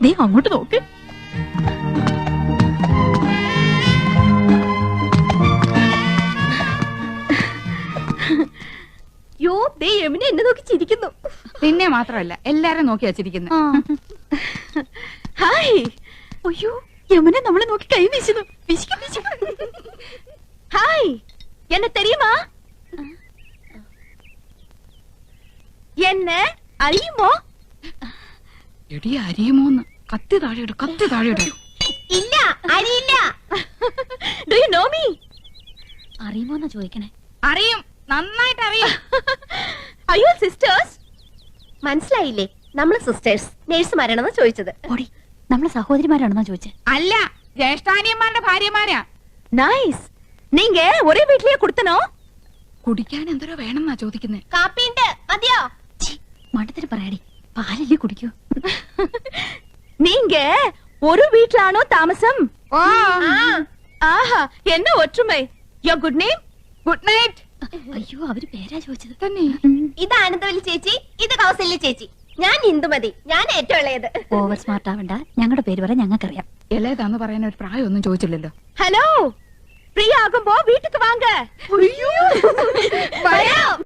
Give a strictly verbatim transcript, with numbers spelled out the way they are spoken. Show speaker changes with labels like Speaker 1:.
Speaker 1: ദേ അങ്ങോട്ട് നോക്ക്. യോ ദേ യമുന എന്നെ നോക്കി ചിരിക്കുന്നു.
Speaker 2: പിന്നെ മാത്രമല്ല എല്ലാരും നോക്കി വച്ചിരിക്കുന്നു.
Speaker 1: ഹായ്. അയ്യോ യമുന നമ്മളെ നോക്കി കൈ വീശുന്നു. ഹായ് എന്നെ തെരിയുമാ? എന്നെ അറിയുമോ?
Speaker 2: എടി അരിയുമോന്ന്. കത്തി താഴെയിടും, കത്തി താഴെയിടും.
Speaker 1: ഇല്ല അറിയില്ല. Do you know me? അറിയുമോന്നാ ചോദിക്കണേ.
Speaker 2: അറിയും, നന്നായിട്ട് അറിയും.
Speaker 1: അയ്യോ സിസ്റ്റേഴ്സ്. മനസ്സിലായില്ലേ? നമ്മള് സിസ്റ്റേഴ്സ് നേഴ്സുമാരാണെന്ന് ചോദിച്ചത്. ഓടി നമ്മളെ സഹോദരിമാരാണെന്നാ ചോദിച്ചത്.
Speaker 2: അല്ല, ജ്യേഷ്ഠാനിയന്മാരുടെ ഭാര്യമാരാ.
Speaker 1: നൈസ്. നീങ്ക ഒരേ വീട്ടിലേ കൊടുത്തനോ?
Speaker 2: കുടിക്കാൻ എന്തോരോ വേണമെന്നാ ചോദിക്കുന്നേ.
Speaker 1: കാപ്പിണ്ട് മതിയോ? മണ്ടത്തിന് പറയാടി, പാലല്ലേ കുടിക്കൂ. നീങ്ക ഒരു വീട്ടിലാണോ താമസം? ആഹാ എന്നെ ഒற்றுമൈ. യോ ഗുഡ് നെയിം?
Speaker 2: Good night.
Speaker 1: അയ്യോ അവര് പേരാ ചോദിച്ചത്.
Speaker 2: തന്നെ.
Speaker 3: ഇത് ആനന്ദവല്ലി ചേച്ചി, ഇത് കൗസല്യ ചേച്ചി. ഞാൻ ഇന്ദുമതി, ഞാൻ ഏറ്റവും ഇളയത്.
Speaker 1: ഓവർ സ്മാർട്ട് ആവണ്ട, ഞങ്ങളുടെ പേര് പറയാൻ ഞങ്ങൾക്കറിയാം.
Speaker 2: ഇളയതാന്ന് പറയാൻ ഒരു പ്രായം ഒന്നും ചോദിച്ചില്ലല്ലോ.
Speaker 1: ഹലോ, ഫ്രീ ആകുമ്പോ വീട്ടിക്ക് വാങ്ങ.